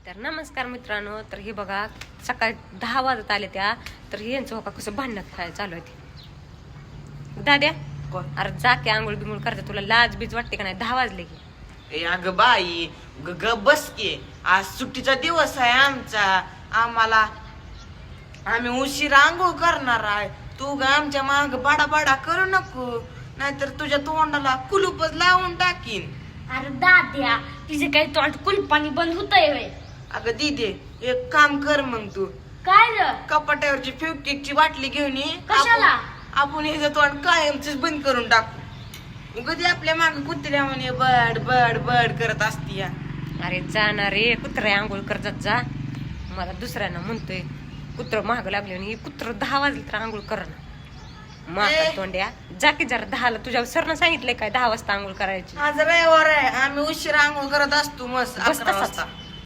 तर नमस्कार मित्रांनो. तर हे बघा सकाळी 10 वाजत आले त्या. तर हे यांचं बघा कसं भांडण खायला चालू आहे ते. दाद्या अरे जा की आंघोळ बिंगोळ करते. तुला लाज बीज वाटते का नाही? 10 वाजले की. ए अगं बाई ग बस की. आज सुट्टीचा दिवस आहे आमचा. आम्ही उशिरा आंघोळ करणार आहे. तू ग आमच्या माग बाडा करू नको, नाहीतर तुझ्या तोंडाला कुलूपच लावून टाकीन. अरे दाद्या तिचे काही तोंड कुलपाणी बंद होतंय व्हय. अगं दीदी एक काम कर मग तू काय र कपाट्यावरची फेवकेकची बाटली घेऊन ये. कशाला? आपण हे तोंड कायमच बंद करून टाकू. कधी आपल्या माग कुत्र्या म्हणे बड बड बड करत असती. अरे जाणार रे कुत्रा आंघोळ करतात जा. मला दुसऱ्यांना म्हणतोय कुत्र महाग लागले आणि कुत्र 10 वाजले तर आंघोळ कर ना. माका तोंड्या जा की जरा 10ला. तुझ्या सरनं सांगितलंय काय 10 वाजता आंघोळ करायची? आज रविवार आहे, आम्ही उशिरा आंघोळ करत असतो मस्त बस 11 तसाच वाजता.